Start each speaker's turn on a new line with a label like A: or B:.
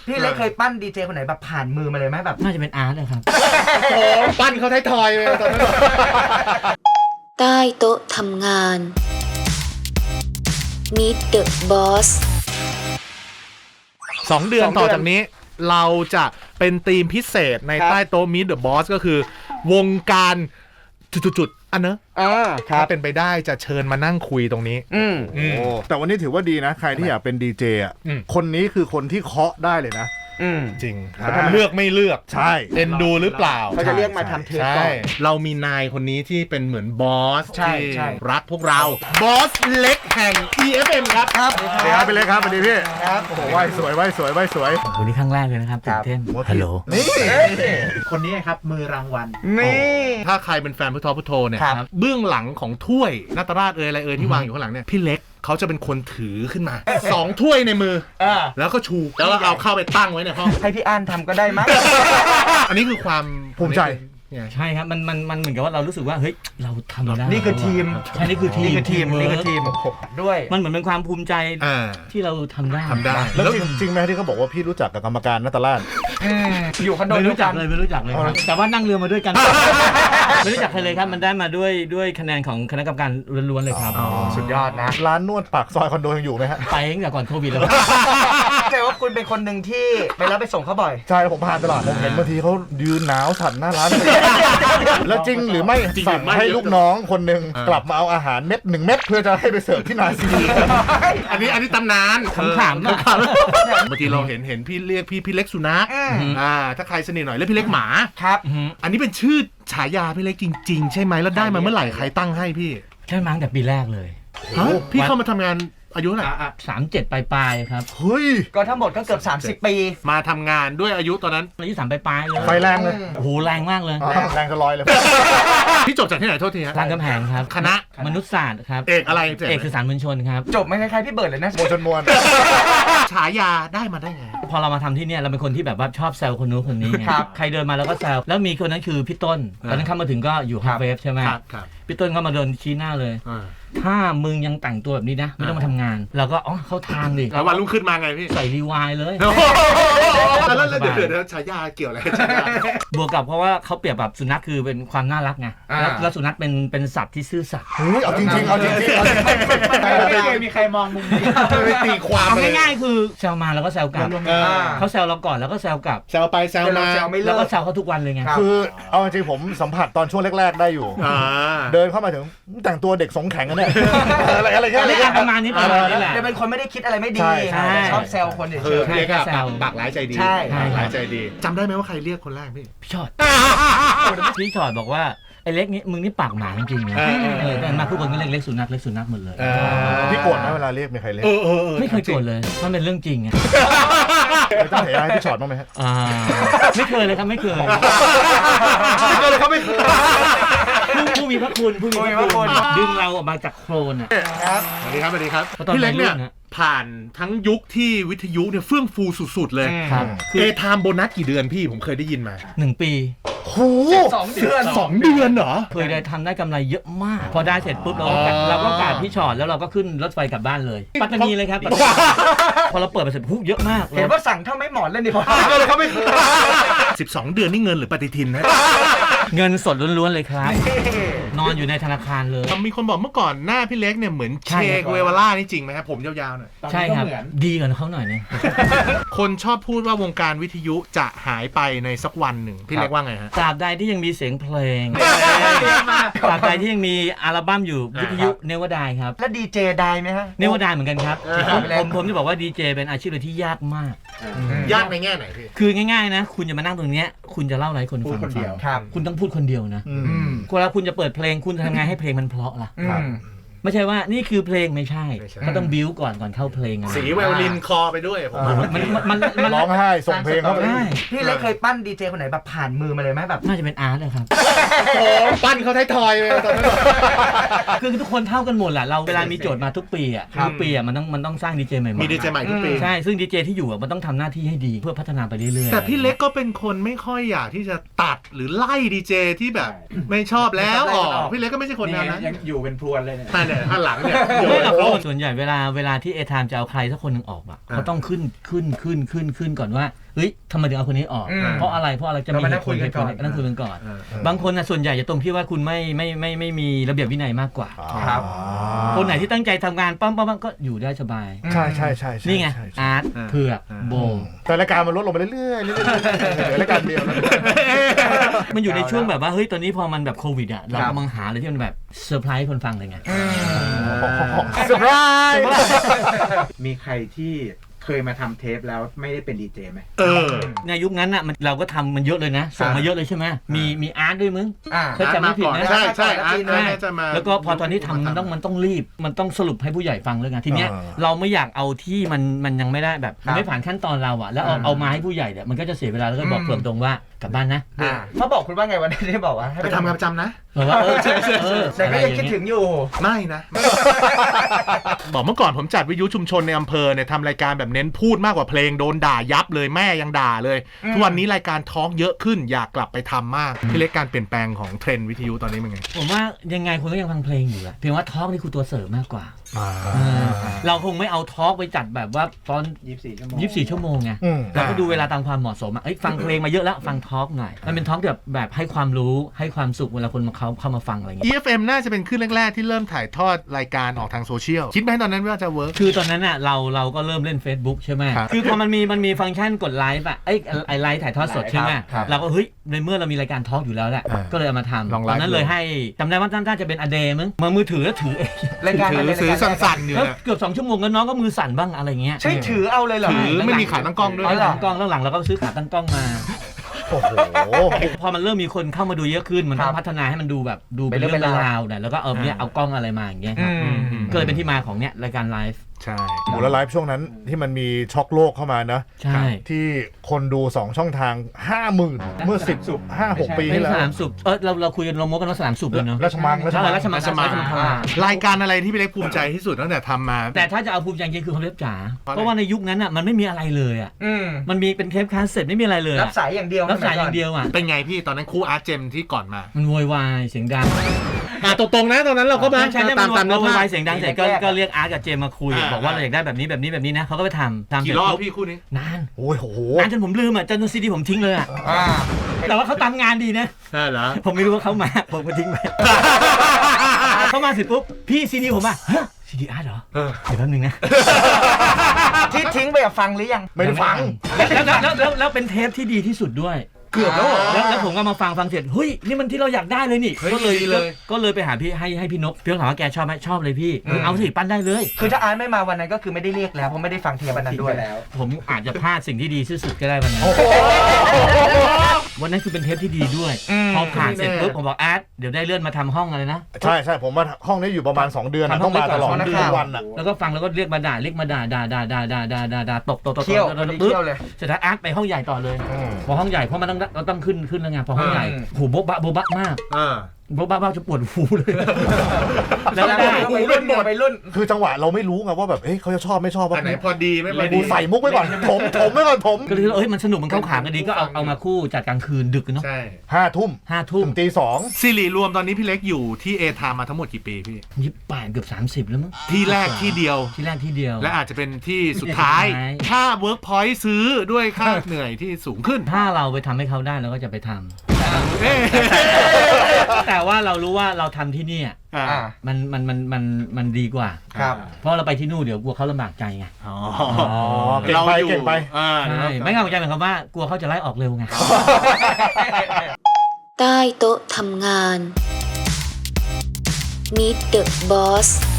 A: พี่เล็กเคยปั้นดีเจคนไหนแบบผ่านมือมาเลยไหมแบบ
B: น่าจะเป็นอาร์ตเลยครับ
C: โอ้ปั้นเขาไทยๆเลยตอนนั้น
D: ใต้โต๊ะทำงาน Meet the Boss
C: 2 เดือนต่อจากนี้เราจะเป็นธีมพิเศษในใต้โต๊ะ Meet the Boss ก็คือวงการจุดๆอันเนอะถ้าเป็นไปได้จะเชิญมานั่งคุยตรงนี้
E: แต่วันนี้ถือว่าดีนะใครที่อยากเป็นดีเจอ่ะคนนี้คือคนที่เคาะได้เลยนะ
C: จริงเลือกไม่เลือก
E: ใช่
C: เอ็นดูหรือเปล่า
A: เขาจะเรียกมาทำเทปก่อน
C: เรามีนายคนนี้ที่เป็นเหมือนบอสที่รักพวกเราบอสเล็กแห่ง EFM ครับ
E: ครับสวัสดีครับไปเลยครับสวัสดีพี่ครับโอ้โหไหวสวย
B: วันนี้ครั้งแรกเลยนะครับตื่นเต้นฮัลโหล
E: นี่
A: คนนี้ครับมือรางวัล
C: นี่ถ้าใครเป็นแฟนพุทโธเนี่ยเบื้องหลังของถ้วยนาตราชอะไรที่วางอยู่ข้างหลังเนี่ยพี่เล็กเขาจะเป็นคนถือขึ้นมา2 ถ้วยในมือแล้วก็ชูแล้วเอาเข้าไปตั้งไว้ในห้อง
A: ให้พี่อ้านทำก็ได้มั้ย
C: อันนี้คือความ
E: ภูมิใจ
B: ใช่ครับมันเหมือนกับว่าเรารู้สึกว่าเฮ้ยเราทำได้
A: นี่คือทีม
B: ใช่นี่คือทีม
A: ด้วย
B: มันเหมือนเป็นความภูมิใจที่เราทำได้
E: แล้วจริงไหมที่เขาบอกว่าพี่รู้จักกับกรรมการนาตราช
A: อยู่คอนโด
B: ไม่รู้จักเลยครับแต่ว่านั่งเรือมาด้วยกันไม่รู้จักใครเลยครับมันได้มาด้วยคะแนนของคณะกรรมการล้วนๆเลยครับ
A: สุดยอดนะ
E: ร้านนวดปากซอยคอนโดยังอยู่ไหมฮะ
B: ไปตั้งแต่ก่อนโควิดแล้ว
A: แต่ว่าคุณเป็นคนหนึ่งที่ไปแล้วไปส่งเขาบ่อย
E: ใช่ผมผ่านตลาดผมเห็นบางทีเขายืนหนาวสั่นหน้าร้านแล้วจริงหรือไม่สั่งให้ลูกน้องคนหนึ่งกลับมาเอาอาหาร1 เม็ดเพื่อจะให้ไปเสิร์ฟที่นาซี
C: อันนี้ตำนาน
B: ขำๆ
C: บางทีเราเห็นพี่เรียกพี่เล็กสุนัขถ้าใครสนิทหน่อยแล้วพี่เล็กหมา
A: ครับ
C: อันนี้เป็นชื่อฉายาพี่เล็กจริงๆใช่ไหมแล้วได้มาเมื่อไหร่ใครตั้งให้พี่
B: ใช่มั้งแต่ปีแรกเลย
C: พี่เข้ามาทำงานอายุเท่าไหร่
B: 37ปลายครับ
E: เฮ้ย
A: ก็ทั้งหมดก็เกือบ30 ปี
C: มาทำงานด้วยอายุตอนนั้น
B: อายุ3ปลายเลย
E: ไฟแรงเลย
B: โอ้โหแรงมากเลย
E: แรงจะลอยเลย
C: พี่จบจากที่ไหนโทษทีฮะ
B: รามคำแหงครับ
C: คณะ
B: มนุษยศาสตร์ครับ
C: เอกอะไร
B: เอกสื่อสารมวลชนครับ
A: จบไม่คล้ายๆพี่เบิร์ดเลยนะ
E: มวลชนมวล
C: ฉายาได้มาได้ไง
B: พอเรามาทำที่เนี่ยเราเป็นคนที่แบบว่าชอบแซวคนนู้นคนนี้ใครเดินมาแล้วก็แซวแล้วมีคนนั้นคือพี่ต้นตอนนั้นเข้ามาถึงก็อยู่ฮาร์เวฟใช่ไหมพี่ต้นก็มาเดินชี้หน้าเลยถ้ามึงยังแต่งตัวแบบนี้นะไม่ต้องมาทำงานเราก็เข้าทางดิ
C: แล้ววันรุ่งขึ้นมาไงพี่
B: ใส่รีวายเลย
C: แล้วเดี๋ยวฉายาเกี่ยวอะไร
B: บวกกับเพราะว่าเขาเปรียบแบบสุนัขคือเป็นความน่ารักไงแล้วสุนัขเป็นสัตว์ที่ซื่อสัตย์
E: เอาจริง
A: ไม่เคยมีใครมองมุมนี้
C: ตีความ
B: ง่ายๆคือแซวมาแล้วก็แซวกลับเขาแซวเราก่อนแล้วก็แซวกลับ
C: แซวไปแซวมา
B: แล้วก็แซวเขาทุกวันเลยไง
E: คือเอาจริงผมสัมผัสตอนช่วงแรกๆได้อยู่เดินเข้ามาถึงแต่งตัวเด็กสงแข็งกันเนี่ยอะไรเงี้ย
B: ประมาณนี้แหละ
A: จะเป็นคนไม่ได้คิดอะไรไม่ดีชอบแซวคนเฉย
C: ๆเรียกปากร้ายใจดีร้ายใจดีจำได้ไหมว่าใครเรียกคนแรก
B: พี่ชอดพี่ชอดบอกว่าไอ้เล็กนี่มึงนี่ปากหมาจริงๆนะมาทุกคนก็เล็กสุนัขหมดเลย
E: พี่โกรธไหมเวลาเรียกมีใครเรียก
B: ไม่เคยโกรธเลยมันเป็นเรื่องจริงไง
E: ต้องเห็นให้พี่ชอดบ้างไหมฮะ
B: ไม่เคยเลยครับไม่เคย
E: เลยเขาไม่เคย
B: ผู้มีพระคุณดึงเราออกมาจากโคลน
C: ครับสวัสดีครับพี่เล็กเนี่ยผ่านทั้งยุคที่วิทยุเนี่ยเฟื่องฟูสุดๆเลยไทม์โบนัสกี่เดือนพี่ผมเคยได้ยินมา
B: 1 ปี
C: โห2 เดือนเหรอ
B: เคยได้ทำได้กำไรเยอะมากพอได้เสร็จปุ๊บเราก็กาดพี่ชอดแล้วเราก็ขึ้นรถไฟกลับบ้านเลยปัตตานีเลยครับพอเราเปิดไปเสร็จปุ๊บเยอะมาก
A: เห็นว่าสั่งเท่าไม่หมอนเล่นดิพอ
C: เขาไม่12 เดือนนี่เงินหรือปฏิทินนะ
B: เงินสดล้วนๆเลยครับนอนอยู่ในธนาคารเลย
C: มีคนบอกเมื่อก่อนหน้าพี่เล็กเนี่ยเหมือนเชกเววาร่านี่จริงไหมครับผมยาวๆหน่อย
B: ใช่ครับดีกว่าเขาหน่อยนึง
C: คนชอบพูดว่าวงการวิทยุจะหายไปในสักวันหนึ่งพี่เล็กว่าไงฮะ
B: ตราบใดที่ยังมีเสียงเพลงตราบใดที่ยังมีอัลบั้มอยู่วิทยุเนวดายครับ
A: แล้วดีเจได้ไหมฮะ
B: เนวดายเหมือนกันครับผมจะบอกว่าดีเจเป็นอาชีพที่ยากมาก
C: ยากในแง่ไหนพี่
B: คือง่ายๆนะคุณจะมานั่งตรงนี้คุณจะเล่าอะไรคนฟังคนเดียวคุณต้องพูดคนเดียวนะเวลาคุณจะเปิดเพลงคุณจะทำไงให้เพลงมันเพราะล่ะไม่ใช่ว่านี่คือเพลงไม่ใช่ก็ต้องบิ้วก่อนเข้าเพลง
C: สีไวโอลินคอไปด้วยผม
E: มันร้องไห้ส่งเพลงเข้าไป
A: พี่เล็กเคยปั้นดีเจคนไหนแบบผ่านมือมาเลยไหมแบบ
B: น่าจะเป็นอาร์ตเลยครับ
C: โอ้ปั้นเขาไทยๆเลยตอนนั้น
B: คือทุกคนเท่ากันหมดแหละเราเวลามีโจทย์มาทุกปีอ่ะมันต้องสร้างดีเจใหม่ๆ
C: มีดีเจใหม่ทุกปี
B: ใช่ซึ่งดีเจที่อยู่มันต้องทำหน้าที่ให้ดีเพื่อพัฒนาไปเรื่อยๆ
C: แต่พี่เล็กก็เป็นคนไม่ค่อยอยากที่จะตัดหรือไล่ดีเจที่แบบไม่ชอบแล้วพี่เล็กก็ไม่ใช่คนนั้น
A: ยังอยู่เป็นพรวนเลยเนี่ย
C: ข้างหลังเนี่ยโยน
B: ไม่หรอก
C: โอ้
B: ส่วนใหญ่เวลาที่เอทามจะเอาใครสักคนหนึ่งออกอ่ะเขาต้องขึ้นก่อนว่าเฮ้ยทำไมถึงเอาคนนี้ออก เพราะอะไรจะมีเหตุผลนั่นคุยกันก่อนบางคนนะส่วนใหญ่จะตรงที่ว่าคุณไม่มีระเบียบวินัยมากกว่า
A: ครับ
B: คนไหนที่ตั้งใจทำงานปั๊มก็อยู่ได้สบาย
E: ใช่
B: นี่ไงอาร์ตเผือกโบ
E: แต่รายการมันลดลงไปเรื่อยๆเหลือรายการเดียวแล้ว
B: มันอยู่ในช่วงแบบว่าเฮ้ยตอนนี้พอมันแบบโควิดอ่ะเรากำลังหาอะไรที่มันแบบเซอร์ไพรส์คนฟังเลยไง
E: เซอร์ไพรส์
F: มีใครที่เคยมาทำเทปแล้วไม่ได้เป็นดีเจไหม
B: ในยุคนั้นอ่ะเราก็ทำมันเยอะเลยนะส่งมาเยอะเลยใช่ไหมมีอาร์ตด้วยมึง
A: อ่า
B: ถ้าจำไม่ผิดนะ
C: ใช่อาร์ตน่าจะมา
B: แล้วก็พอตอนนี้ทำมันต้องรีบมันต้องสรุปให้ผู้ใหญ่ฟังเลยไงทีเนี้ยเราไม่อยากเอาที่มันยังไม่ได้แบบมันไม่ผ่านขั้นตอนเราอ่ะแล้วเอามาให้ผู้ใหญ่เนี่ยมันก็จะเสียเวลาแล้วก็บอกเพิ่มตรงว่ากลับบ้านนะ
A: เขาบอกคุณว่าไงวันนี้ได้บอกว่าให้
C: ไปทำงานประจำนะ
B: บอกว่า
A: แต่ก็ยังคิดถึงอยู่
C: ไม่นะ บอกเมื่อก่อนผมจัดวิทยุชุมชนในอำเภอเนี่ยทำรายการแบบเน้นพูดมากกว่าเพลงโดนด่ายับเลยแม่ยังด่าเลยทุกวันนี้รายการทอล์กเยอะขึ้นอยากกลับไปทำมากพี่เล็กการเปลี่ยนแปลงของเทรนด์วิทยุตอนนี้เป็นไง
B: ผมว่ายังไงคนก็ยังฟังเพลงอยู่อะเพียงว่าทอล์กนี่คือตัวเสริมมากกว่าเราคงไม่เอาทอล์กไปจัดแบบว่าตอน24 ชั่วโมงไงเราก็ดูเวลาตามความเหมาะสมอะฟังเพลงมาเยอะแล้วฟังทอล์กหน่อยมันเป็นทอล์กแบบให้ความรู้ให้ความสุขเวลาคนเข้ามาฟังอะไรอย่างเงี้ย
C: EFM น่าจะเป็นคลื่นแรกๆที่เริ่มถ่ายทอดรายการออกทางโซเชียลคิดไหมตอนนั้นว่าจะเวิร์ก
B: คือตอนนั้นอ่ะเราก็เริ่มเล่น Facebook ใช่ไหม
C: ครับ
B: คือพอมันมีฟังก์ชันกดไลฟ์อ่ะไอไลฟ์ถ่ายทอดสดใช่ไหม
A: ครับ
B: เราก็เฮ้ยในเมื่อเรามีรายการทอล์กอยู่แล้วแหละก็เลยเอามาทำ
C: ลองไล
B: ตอ
C: ฟ์
B: นนั้นเลยให้จำได้ว่าน่าจะเป็นอเดย์มั้งมามือถือแล้วถือเอง
A: รายการ
C: ถือสั่นๆอยู่
B: แล้ว
C: นะ
B: เกือบ2 ชั่วโมงแล้วน้องก็มือสั่นบ้างอะไรเงี้ย
A: ใช่ถือเอาเลยเหรอ
C: ถือไม่มีขาตั้งกล้องด้วย
B: อ๋อตั้งกล้องแล้วหลังเราก็ซื้อขาตั้งกล้องมา
E: โอ้โห
B: พอมันเริ่มมีคนเข้ามาดูเยอะขึ้นมันต้องพัฒนาให้มันดูแบบดูเป็นเรื่องเป็นราวเนี่ยแล้วก็เนี่ยเอากล้องอะไรมาอย่างเงี้ยครับก็เลยเป็นที่มาของเนี่ยรายการไลฟ์
C: ใช่
E: โหแล้วไลฟ์ช่วงนั้นที่มันมีช็อกโลกเข้ามานะ
B: ใช่
E: ที่คนดู 2 ช่องทาง 50,000 เมื่อ 5-6 ปี
B: เป็
E: ที่
B: น
E: แล้ว
B: สนามสุบเราคุยกันเราโม้กันว่าสนามสุบเลยเนาะ
E: ราชมัง
B: ราชมัง
C: รายการอะไรที่พี่เล็กภูมิใจที่สุดตั้งแต่ทำมา
B: แต่ถ้าจะเอาภูมิใจจริงคือเขาเล็บจ๋า
C: เพราะอะไร
B: เพราะว่าในยุคนั้นอ่ะมันไม่มีอะไรเลยอ่ะมันมีเป็นเทปคาสเซ็ตไม่มีอะไรเลย
A: รับสายอย่างเดียว
B: รับสายอย่างเดียวอ่ะ
C: เป็นไงพี่ตอนนั้นครูอาร์ตเจมที่ก่อนมา
B: มันโวยวายเสียงดัง
C: ตรงๆนะตอนนั้นเราก็มา
B: ใช่ใช่
C: ตาม
B: มัน
C: เนื้อ
B: โว
C: ผ้า
B: ยวายเสียงดังเสร็จก็เรียกอาร์ตกับเจมมาคุยบอกว่าเราอยากได้แบบนี้นะเขาก็ไปทำเสร็
C: กี่
B: จ
C: รอบ
B: ปุ๊บ
C: พี่คู่นี้
B: นาน
E: โอ้ยโห
B: นานจนผมลืมอ่ะจนซีดีผมทิ้งเลยอ่ะแต่ว่าเขาตามงานดีนะ
C: ใช่เหรอ
B: ผมไม่รู้ว่าเขามาผมก็ทิ้งไป เขามาเสร็จปุ๊บพี่ซีดีผมอ่ะซีดีอาร์ตเหรอเดี๋ยวแป๊บนึงนะ
A: ที่ทิ้งไปฟังหรือยัง
E: ไม่ได้ฟัง
B: แล้วเป็นเทปที่ดีที่สุดด้วย
C: เกือบแล้วเหรอ
B: แล้วผมก็มาฟังเสร็จเฮ้ยนี่มันที่เราอยากได้เลยนี่
C: เฮ้ย
B: ก็เลย
C: ดีเลย
B: ก็เลยไปหาพี่ให้พี่นกพี่นกถามว่าแกชอบไหมชอบเลยพี่เอาสิปั้นได้เลย
A: คือถ้าอาร์ตไม่มาวันนั้นก็คือไม่ได้เรียกแล้วเพราะไม่ได้ฟังเทปวันนั้นด้วยแล้ว
B: ผมอาจจะพลาดสิ่งที่ดีที่สุดก็ได้วันนั้นวันนั้นคือเป็นเทปที่ดีด้วยพอผ่านเสร็จปุ๊บผมบอกอาร์ตเดี๋ยวได้เลื่อนมาทำห้องอะไรนะ
E: ใช่ผมว่าห้องนี้อยู่ประมาณ 2 เดือนนะต้องมาตลอดทุกวันอ่ะ
B: แล้วก็ฟังแล้วก็เรียกมาด่าตบ
A: เที่ยวเที่ยวเลย
B: เสร็จแล้วอาร์ตไปห้องใหญ่ต่อเลยพอห้องใหญ่เพราะมันต้องขึ้นแล้วไงพอห้องใหญ่หูโบ๊ะมากโบ๊ะจะปวดหูเลยแล้วได้
A: ไปรุ่นหมดไปรุ่น
E: คือจังหวะเราไม่รู้ไงว่าแบบเขาจะชอบไม่ชอบว่า
C: อันไหนพอดีไม่พอ
E: กู
C: ดี
E: ใส่มุกไว้ก่อนถมไว้ก่อนถม
B: ก็เลยมันสนุกมันเข้าขากันดีก็เอามาคู่จัดกลางคืนดึกเนาะ
C: ใช่
E: 5 ทุ่ม
B: 5 ทุ่ม
E: ถึงตี 2
C: ซีรีส์รวมตอนนี้พี่เล็กอยู่ที่เอทามาทั้งหมดกี่ปีพี่
B: 28เกือบ30แล้วมั้ง
C: ที่แรกที่เดียว
B: ที่แรกที่เดียว
C: และอาจจะเป็นที่สุดท้าย
B: สุดท้าย
C: ถ้า Workpoint ซื้อด้วยค่าเหนื่อยที่สูงขึ้น
B: ถ้าเราไปทำให้เขาได้เราก็จะไปทำ
C: เอ๊ะ
B: แต่ว่าเรารู้ว่าเราทำที่นี่ มันดีกว่า
A: ครับ
B: เพราะเราไปที่นู่นเดี๋ยวกลัวเขาลำบากใจไง
E: เก่งไป
B: ใช่ไม่งั้นผมจะหมายความว่ากลัวเขาจะไล่ออกเร็วไง
D: ใต้โต๊ะทำงาน Meet the Boss